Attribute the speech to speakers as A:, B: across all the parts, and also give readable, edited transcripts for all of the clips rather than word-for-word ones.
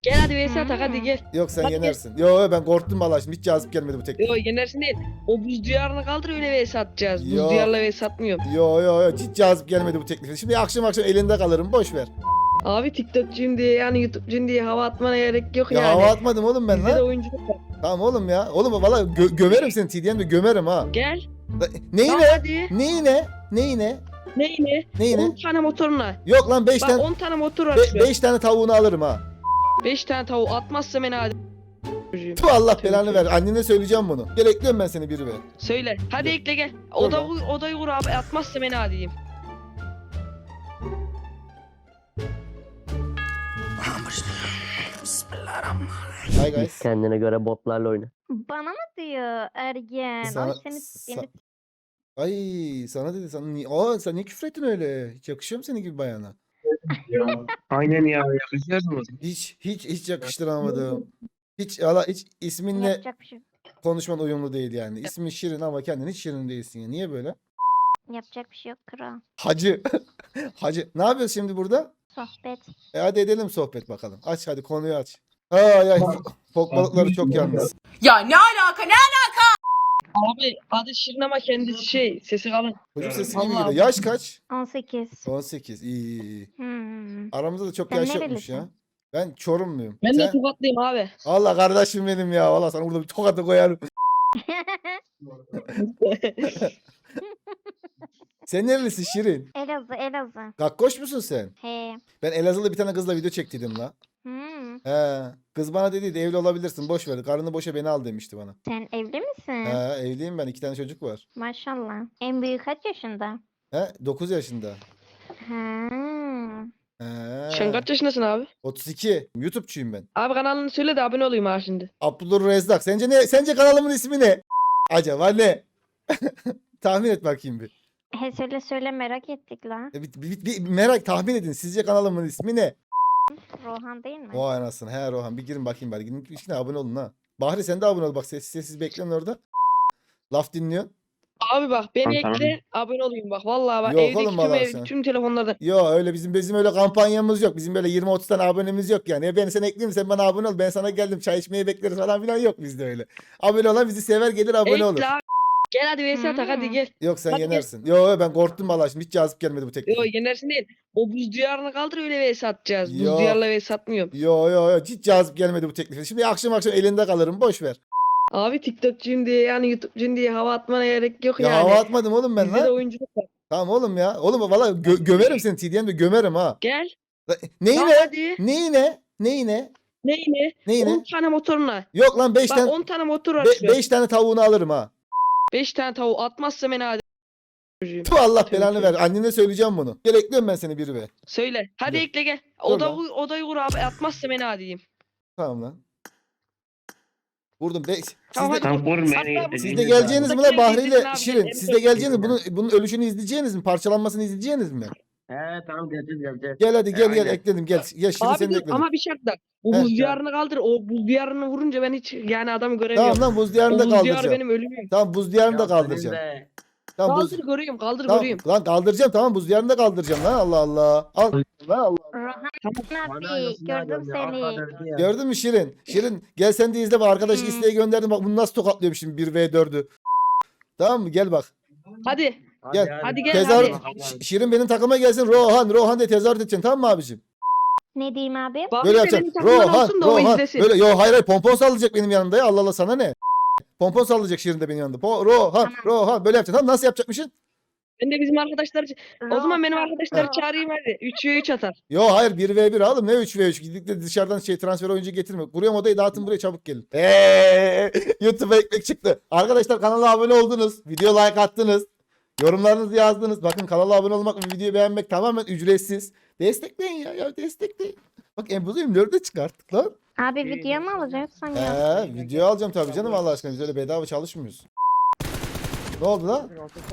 A: Gel hadi vs atak hadi gel.
B: Yok sen
A: Hadi
B: yenersin. Yo ben korktum vallahi şimdi hiç cazip gelmedi bu teklif.
A: Yo yenersin değil. O buz diyarını kaldır öyle vs atacağız.
B: Yo.
A: Buz diyarla vs atmıyorum.
B: Yo hiç cazip gelmedi bu teklif. Şimdi akşam elinde kalırım boş ver.
A: Abi TikTokçuyum diye yani YouTube'cuyum diye hava atmana gerek yok
B: Ya
A: yani.
B: hava atmadım oğlum ben
A: Bizde de
B: lan.
A: oyunculuk var.
B: Tamam oğlum ya. Oğlum valla gömerim seni TDM'de gömerim ha.
A: Gel.
B: Neyine?
A: Hadi.
B: Neyine?
A: Neyine?
B: Neyine?
A: 10 tane motoruna.
B: Yok lan 5
A: Bak
B: tane
A: 10 tane motor var.
B: 5 tane tavuğunu alırım ha.
A: 5 tane tavuğu atmazsa beni hadi.
B: Tu Allah belanı ver. Annene söyleyeceğim bunu. Gel ekliyorum ben seni biri be.
A: Söyle. Hadi ekle gel. Odayı kur abi. Atmazsa beni hadi diyeyim.
B: Hi guys.
C: Kendine göre botlarla oyna.
D: Bana mı diyor ergen?
B: Sana-
D: Ay seni
B: Ay sana dedi sana niye? Aa sen niye küfür ettin öyle? Hiç yakışıyor mu senin gibi bayana?
E: Aynen ya yakışıyor mu?
B: Hiç yakıştıramadım. Hiç isminle
D: yapacak bir şey yok.
B: konuşman uyumlu değil yani. İsmin Şirin ama kendin hiç Şirin değilsin ya. Niye böyle?
D: Yapacak bir şey yok kral.
B: Hacı. Hacı. Ne yapıyoruz şimdi burada?
D: Sohbet.
B: Hadi edelim sohbet bakalım. Aç hadi konuyu aç. Ay fok balıkları çok yalnız.
F: Ya ne alaka ne?
A: Abi adı Şirin ama kendisi sesi kalın.
B: Çocuk sesi gibi
A: Allah
B: geliyor. Yaş kaç?
D: 18.
B: 18. İyi.
D: Hmm.
B: Aramızda da çok
D: Sen
B: yaş yokmuş
D: nerelisin?
B: ya. Ben Çorumluyum.
A: Ben de
B: Sen?
A: tokatlıyım abi.
B: Allah kardeşim benim ya. Valla sana burada bir tokatı koyarım. Sen nerelisin Şirin?
D: Elazığ.
B: Kakkoş musun sen?
D: He.
B: Ben Elazığlı bir tane kızla video çektiydim la.
D: Hmm.
B: He. Kız bana dediydi evli olabilirsin boş ver. Karını boşa beni al demişti bana.
D: Sen evli misin?
B: He evliyim ben 2 tane çocuk var.
D: Maşallah. En büyük kaç yaşında?
B: He 9 yaşında.
D: Ha.
B: He.
A: Sen kaç yaşındasın abi?
B: 32. YouTube'çuyum ben.
A: Abi kanalını söyle de abone olayım ha şimdi.
B: Abdullah Rezzak. Sence ne? Sence kanalımın ismi ne? Acaba ne? Tahmin et bakayım bir.
D: He söyle merak ettik la.
B: Bir merak tahmin edin. Sizce kanalımın ismi ne?
D: Rohan değil mi?
B: Vay anasını. He Rohan bir girin bakayım bari. Girin içine abone olun ha. Bahri sen de abone ol. Bak sessiz bekleyin orada. Laf dinliyorsun.
A: Abi bak beni
E: Tamam.
A: ekle abone olayım bak. Vallahi bak
B: Yok
A: evdeki
B: oğlum,
A: tüm
B: vallahi sen.
A: tüm telefonlardan.
B: Yo öyle bizim öyle kampanyamız yok. Bizim böyle 20-30 tane abonemiz yok yani. Ya ben seni ekleyeyim sen bana abone ol. Ben sana geldim çay içmeye bekleriz falan filan yok bizde öyle. Abone olan bizi sever gelir abone olur.
A: Ekle abi. Gel hadi vs atak hadi gel.
B: Yok sen
A: Hadi.
B: yenersin. Yo ben korktum vallahi şimdi hiç cazip gelmedi bu teklif.
A: Yo yenersin değil. O buz diyarını kaldır öyle vs atacağız.
B: Yo.
A: Buz diyarla vs atmıyorum.
B: Yo hiç cazip gelmedi bu teklif. Şimdi akşam elinde kalırım boş ver.
A: Abi TikTokçuyum diye yani YouTube'cuyum diye hava atmana gerek yok
B: Ya
A: yani.
B: hava atmadım oğlum ben
A: Bizde de
B: lan.
A: oyunculuk var.
B: Tamam oğlum ya. Oğlum valla gömerim seni TDM'de gömerim ha.
A: Gel.
B: Neyine?
A: Hadi.
B: Neyine?
A: Neyine? 10 tane motoruna.
B: Yok lan 5
A: Bak
B: tane
A: 10 tane motor var.
B: 5 tane tavuğunu alırım ha.
A: 5 tane tavuğu atmazsa beni hadi. Çocuğum.
B: Tu Allah
A: Tövbe
B: belanı
A: tövbe.
B: ver. Annene söyleyeceğim bunu. Gel ekliyorum ben seni biri be.
A: Söyle. Hadi
B: Dur.
A: ekle gel.
B: Dur lan.
A: Odayı kur abi. Atmazsa beni hadi diyeyim.
B: Tamam lan. Vurdum.
A: Tamam,
B: Siz de,
A: hadi.
E: Tam vur beni.
A: Hatta bu-
B: siz de geleceğiniz mi lan Bahri ile
A: Abi,
B: Şirin?
A: gel,
B: Siz de geleceğiniz mi? Bunun ölüşünü izleyeceğiniz mi? Parçalanmasını izleyeceğiniz mi?
E: He tamam geleceğiz.
B: Gel hadi gel
E: Aynen.
B: ekledim gel. Gel Şirin
A: Abi
B: seni de
A: dur
B: ekledim.
A: ama bir şart da. Bu
B: Heh.
A: buz diyarını kaldır. O buz diyarını vurunca ben hiç yani adamı göremiyorum.
B: Tamam lan buz diyarını
A: O
B: da
A: buz diyarı
B: kaldıracağım.
A: benim ölümüm.
B: Tamam buz diyarını da kaldıracağım. Tamam buz.
A: Kaldır görüyorum kaldır
B: Tamam,
A: görüyorum.
B: lan kaldıracağım tamam buz diyarını da kaldıracağım lan Allah Allah. Al. Lan Allah.
D: Rohan abi gördüm seni.
B: Gördün mü Şirin? Şirin gel sen de izle bak arkadaş isteği gönderdim bak bunu nasıl tokatlıyorum şimdi 1v4'ü. Tamam mı gel bak.
A: Hadi.
B: Gel.
A: Hadi gel
B: Tezahürat
A: hadi.
B: Şirin benim takıma gelsin Rohan diye tezahürat edeceksin tamam mı abicim?
D: Ne diyeyim abi?
A: Bahri
B: Böyle
A: de
B: yapacaksın.
A: benim takımdan
B: Rohan
A: olsun da o izlesin.
B: Böyle yo hayır pompon sallayacak benim yanımda ya Allah Allah sana ne? Pompon sallayacak Şirin de benim yanımda. Rohan böyle yapacaksın tamam nasıl yapacakmışsın?
A: Ben de bizim arkadaşlar o zaman benim arkadaşları çağırayım hadi. 3v3 atar.
B: Yo hayır 1v1 oğlum ne 3v3 gidip de dışarıdan transfer oyuncu getirme. Kuruyorum odayı dağıtın buraya çabuk gelin. YouTube'a ekmek çıktı. Arkadaşlar kanala abone oldunuz. Video like attınız. Yorumlarınızı yazdınız. Bakın kanala abone olmak ve videoyu beğenmek tamamen ücretsiz. Destekleyin ya destekleyin. Bak Embuzu 24'de çıkarttık lan.
D: Abi video mu alacaksan ya?
B: Video alacağım tabii canım Allah aşkına. Biz öyle bedava çalışmıyoruz. Ne oldu lan?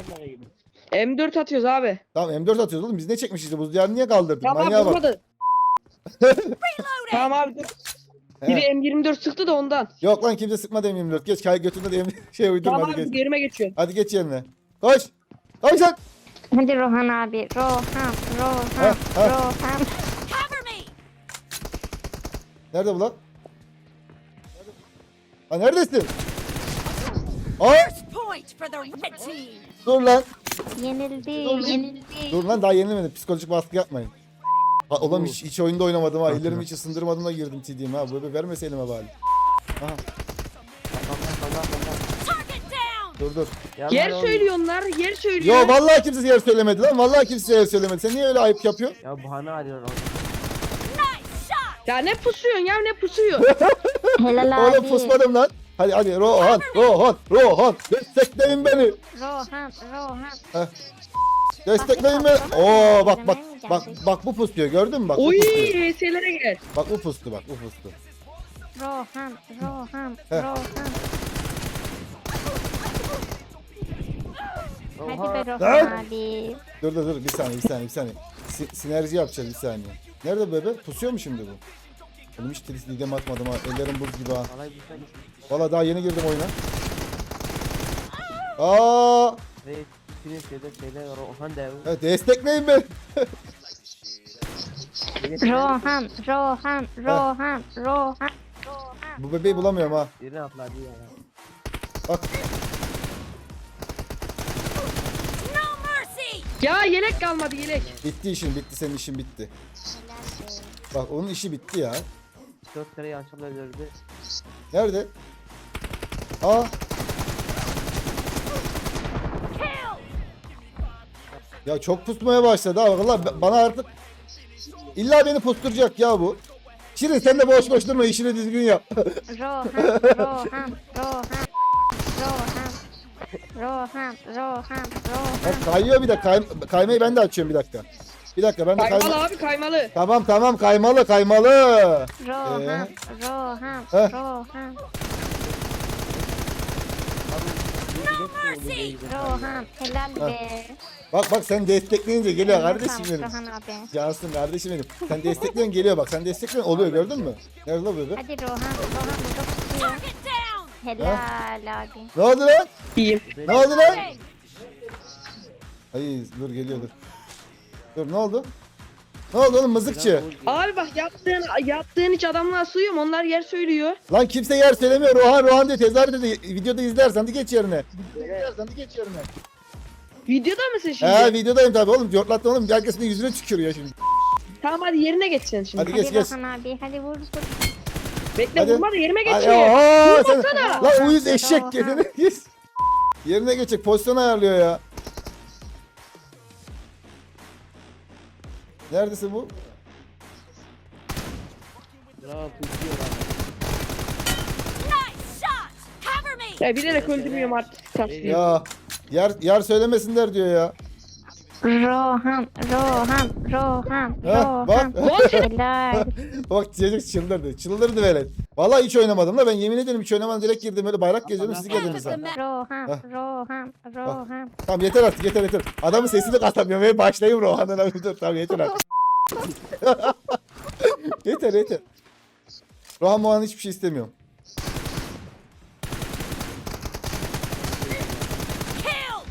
A: M4 atıyoruz abi.
B: Tamam M4 atıyoruz oğlum. Biz ne çekmişiz işte? Buz diyarını niye kaldırdık?
A: Tamam
B: Manyağa
A: abi
B: bak.
A: vurmadı. Tamam abi dur. Biri
B: He.
A: M24 sıktı da ondan.
B: Yok lan kimse sıkmadı M24. Geç götünde de şey uydurma
A: Tamam
B: hadi
A: abi
B: geç.
A: yerime geçiyorum.
B: Hadi geç yerine. Koş. Koş lan.
D: Hadi Rohan abi. Rohan.
B: Ha.
D: Rohan.
B: Nerede bu lan? Ha neredesin? Ay
C: Point for the red team.
B: dur lan.
D: Yenildi.
B: Dur lan daha yenilmedim. Psikolojik baskı yapmayın. Ha, oğlum hiç oyunda oynamadım ha. Ellerimi hiç ısındırmadım da girdim TD'me ha. Böyle vermese elime bari. Aha
C: Target down.
B: dur.
A: Yer söylüyor onlar. Yer söylüyor.
B: Yo vallahi kimse yer söylemedi lan. Vallahi kimse yer söylemedi. Sen niye öyle ayıp yapıyorsun?
F: Ya bahane arıyorsun.
C: Nice shot.
A: Ya ne pusuyorsun ya ne pusuyor?
D: Helal abi.
B: Oğlum pusmadım lan. Hadi Rohan. Destekleyin beni.
D: Rohan.
B: Destekleyin beni. Oo bak bu pusuyor gördün mü bak bu
A: Oy
B: pusuyor.
A: VS'lere gel.
B: Bak bu pustu.
D: Rohan.
B: Heh.
D: Hadi be
B: Lan!
D: Rohan abi.
B: Dur bir saniye. Sinerji yapacağız bir saniye. Nerede bu bebe? Pusuyor mu şimdi bu? Oğlum hiç lidem atmadım ha. Ellerim buz gibi ha.
F: Alay güzel gitmiş.
B: Valla daha yeni girdim oyuna. Aa,
F: Ve bütün şeyler Rohan devi.
B: evet, destekleyin beni.
D: Rohan.
B: Bu bebeği bulamıyorum ha.
F: Birine atladı ya.
B: Bak
C: No mercy.
A: Ya yelek kalmadı yelek.
B: bitti senin işin bitti. Bak onun işi bitti ya.
F: 4 kere yanlışlıkla öldürdü.
B: Nerede? Aa. Ya çok pusmaya başladı ha. Valla bana artık illa beni pusturacak ya bu. Şirin sen de boş durma işini düzgün yap.
D: Rohan.
B: Bak kayıyor bir de kaymayı ben de açıyorum bir dakika. Bir dakika ben de
A: Kaymalı abi kaymalı.
B: Tamam kaymalı.
D: Rohan.
B: Heh.
D: Rohan. Helal be.
B: Bak sen destekleyince geliyor kardeşim benim.
D: Rohan abi.
B: Cansın kardeşim benim. Sen destekliyorsun geliyor bak. Sen destekliyorsun oluyor gördün mü? Nerede lan bebe?
D: Hadi Rohan burada tutuyor.
C: Target down.
D: Helal abi.
B: Ne oldu lan?
A: İyiyim.
B: Ne oldu lan? Ay dur geliyor dur. Dur ne oldu? Ne oldu oğlum mızıkçı?
A: Abi bak yaptığın hiç adamlar sığıyor mu? Onlar yer söylüyor.
B: Lan kimse yer söylemiyor. Rohan diye tezahür dedi. Videoda izlersen de geç yerine.
A: Videoda mısın şimdi?
B: He videodayım tabi oğlum. Cortlattın oğlum. Herkesin yüzüne tükürüyor şimdi.
A: Tamam hadi yerine geçeceksin şimdi.
B: Hadi geç.
D: Rohan abi. Hadi vur.
A: Bekle
B: Hadi.
A: vurma da yerime
B: Ay,
A: geçiyor.
B: aa, sen,
A: Vurmasana.
B: lan uyuz eşek kendine git. Yerine geçecek pozisyon ayarlıyor ya. Neredesin bu?
F: Bravo tutuyor lan.
C: Nice shot. Cover me.
A: Ya bilerek öldürmüyorum artık. Tatlıyım.
B: Ya yer söylemesinler diyor ya.
D: Rohan.
B: Ha, bak.
D: Helal.
B: Bak çocuk çıldırdı velet. Vallahi hiç oynamadım da ben yemin ederim hiç oynamadım direkt girdim öyle bayrak geziyordum siz geldiniz ha.
D: Rohan.
B: Tamam yeter artık yeter. Adamın sesini katamıyorum ve başlayayım Rohan'dan abi dur tamam yeter artık. yeter. Rohan hiçbir şey istemiyorum.
C: Killed.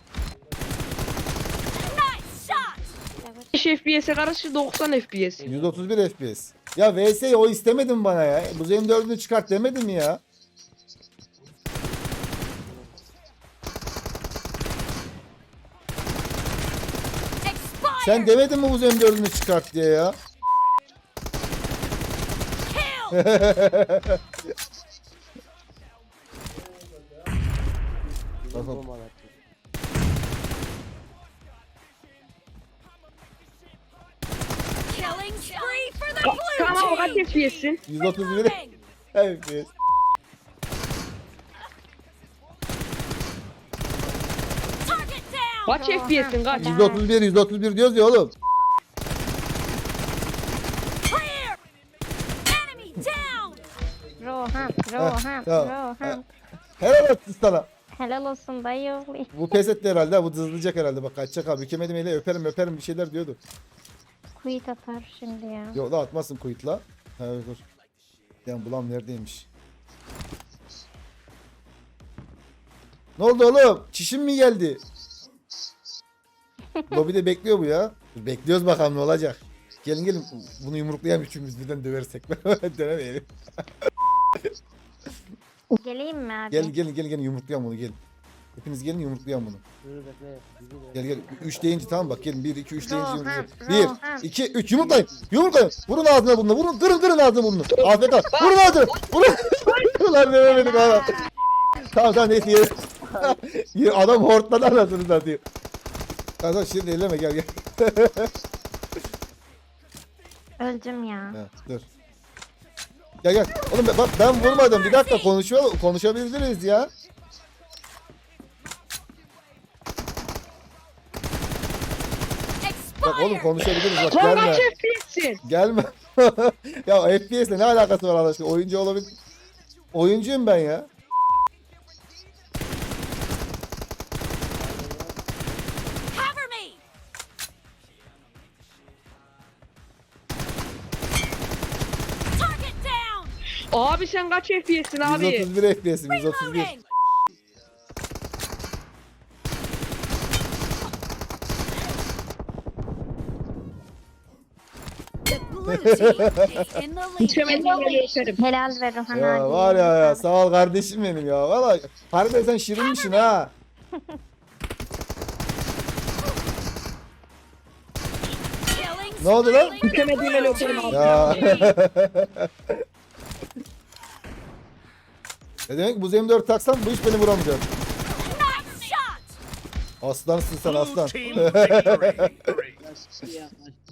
C: Nice shot.
A: 5 FPS'e karşı 90 FPS.
B: 131 FPS. Ya VS'yi o istemedin bana ya. Bu M4'ünü çıkart demedin mi ya?
C: Expired.
B: Sen demedin mi bu M4'ünü çıkart diye ya?
C: Killed.
F: Bomba attı.
C: Killing spree for the blue
A: Tamam kaç
C: team.
A: FPS'sin?
B: 131
C: Moving.
B: FPS.
C: Target down.
A: Kaç FPS'sin kaç?
B: 131 diyoruz ya oğlum.
C: Clear. Enemy down.
D: Rohan.
B: Tamam. Helal olsun sana.
D: Helal olsun dayı.
B: Bu pes etti herhalde. Ha, bu hızlayacak herhalde. Bak kaçacak abi. Bükemedim ele öperim bir şeyler diyordu.
D: Kuyut atar şimdi ya.
B: Yok la atmasın kuyutla. Ha dur. Yani bulam neredeymiş? Ne oldu oğlum? Çişim mi geldi? Lobide bekliyor bu ya. Dur, bekliyoruz bakalım ne olacak. Gelin gelin bunu yumruklayan üçümüz birden döversek. Dönemeyelim.
D: Geleyim mi abi?
B: Gelin yumruklayan bunu gelin. Hepiniz gelin yumruklayan bunu.
F: Dur bekle. bizi de-
B: Gel 3 deyince tamam bak gelin 1 2 3 deyince
D: Rohan,
B: yumruklayın.
D: Rohan.
B: 1 2 3 yumruklayın. Yumruklayın. Vurun ağzına bunu. Vurun kırın ağzına bunu. AFK. Vurun ağzına. Vurun. Ulan dememedik hala. Tamam neyse yeriz. Adam hortladı anasını satayım. Tamam şimdi elleme gel.
D: Öldüm ya.
B: Ha, dur. Gel. Oğlum bak ben vurmadım. Bir dakika konuşabiliriz ya. Bak oğlum
C: Expired!
B: konuşabiliriz bak
A: Son
B: gelme.
A: kaç FPS'sin?
B: Gelme. Ya FPS'le ne alakası var Allah aşkına? Oyuncu olabilir. Oyuncuyum ben ya.
C: Cover me! Target down!
A: Abi sen kaç FPS'sin abi?
B: 131 FPS'im 131.
C: Reloading! The blue team is in the lead.
A: Mükemmel öperim.
D: Helal ver Rohan abi.
B: Ya var ya sağ ol kardeşim benim ya. Valla harbiden sen şirinmişsin ha.
C: Killing
B: Ne oldu lan?
C: spree.
A: Mükemmel öperim abi.
B: Ya. Ne demek bu M4 taksam bu iş beni vuramayacak.
C: Nice shot!
B: Aslansın sen aslan.
F: Açtı ya.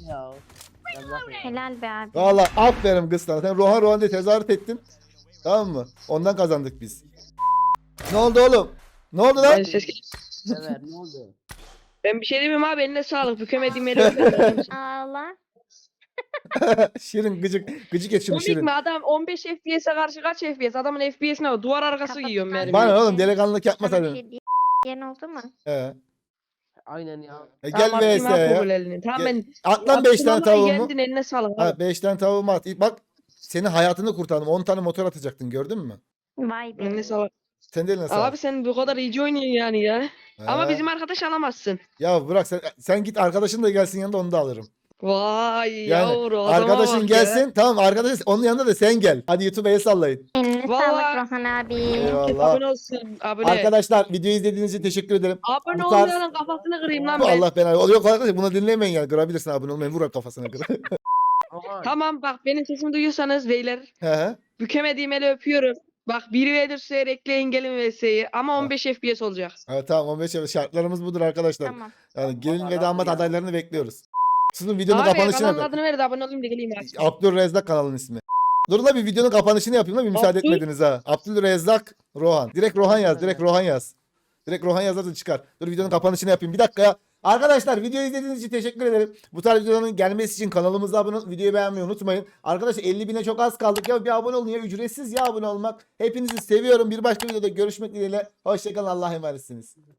D: Helal be abi.
B: Valla aferin kız sana. Sen Rohan diye tezahürat ettin. Tamam mı? Ondan kazandık biz. Ne oldu oğlum? Ne oldu lan?
A: Ben, ses...
F: Evet ne oldu?
A: ben bir şey demeyeyim abi eline sağlık. Mükemmel öperim.
D: Ağla.
B: Şirin gıcık et şunu
A: Komik
B: Şirin.
A: mi adam 15 FPS'e karşı kaç FPS? Adamın FPS'ine bak. Duvar arkası
D: Kapat
A: giyiyorum
D: lan.
A: mermi.
B: Bana oğlum delikanlılık yapma
D: Sana bir
B: sen.
D: şey diyeyim. Diyen oldu mu?
F: Aynen ya.
B: Gel
A: Tamam,
B: vs
A: atayım abi
B: ya.
A: bu elini. Tamam
B: Gel.
A: ben
B: At lan 5
A: attım
B: tane
A: ama
B: tavuğumu.
A: yendin, eline sağlık.
B: Ha
A: abi.
B: 5 tane tavuğumu at. Bak senin hayatını kurtardım. 10 tane motor atacaktın gördün mü?
D: Vay be.
A: Eline sağlık.
B: Sen de eline sağlık.
A: Abi sen bu kadar iyi oynuyorsun yani ya. Ama
B: Ha.
A: bizim arkadaş alamazsın.
B: Ya bırak sen git arkadaşın da gelsin yanında onu da alırım.
A: Vay
B: Yani
A: yavru adama
B: arkadaşın
A: bak
B: gelsin
A: ya.
B: tamam arkadaşın onun yanında da sen gel. Hadi YouTube'a el sallayın.
D: Eline
A: Vallahi-
D: sağlık Rohan abi.
B: Eyvallah.
A: Abone olsun. Abone.
B: Arkadaşlar videoyu izlediğiniz için teşekkür ederim.
A: Abone
B: bu tarz-
A: olmayanın kafasını kırayım lan ben.
B: Allah ben yok arkadaşlar bunu dinlemeyin yani kırabilirsin abone olmayın vur kafasına kır.
F: Rohan.
A: Tamam bak benim sesimi duyuyorsanız beyler.
B: He he.
A: Bükemediğim eli öpüyorum. Bak 1v4 sürer ekleyin gelin vs'yi ama 15 FPS olacak.
B: Ha, tamam 15 yıl şartlarımız budur arkadaşlar.
D: Tamam.
B: Yani gelin ve
F: Vallahi
B: damat
F: ya.
B: adaylarını bekliyoruz. Sizin videonun
A: Abi
B: kapanışını
A: kanalın
B: yapın.
A: adını ver de abone olayım da geleyim ya.
B: Abdülrezzak kanalın ismi. Dur la bir videonun kapanışını yapayım la bir müsaade
A: Abdül-
B: etmediniz ha. Abdülrezzak Rohan. Direkt Rohan yaz. Direkt Rohan yaz. Direkt Rohan yazarsa çıkar. Dur videonun kapanışını yapayım. Bir dakika ya. Arkadaşlar videoyu izlediğiniz için teşekkür ederim. Bu tarz videoların gelmesi için kanalımıza abone olup videoyu beğenmeyi unutmayın. Arkadaşlar 50.000'e çok az kaldık ya bir abone olun ya ücretsiz ya abone olmak. Hepinizi seviyorum. Bir başka videoda görüşmek dileğiyle. Hoşçakalın Allah'a emanetsiniz.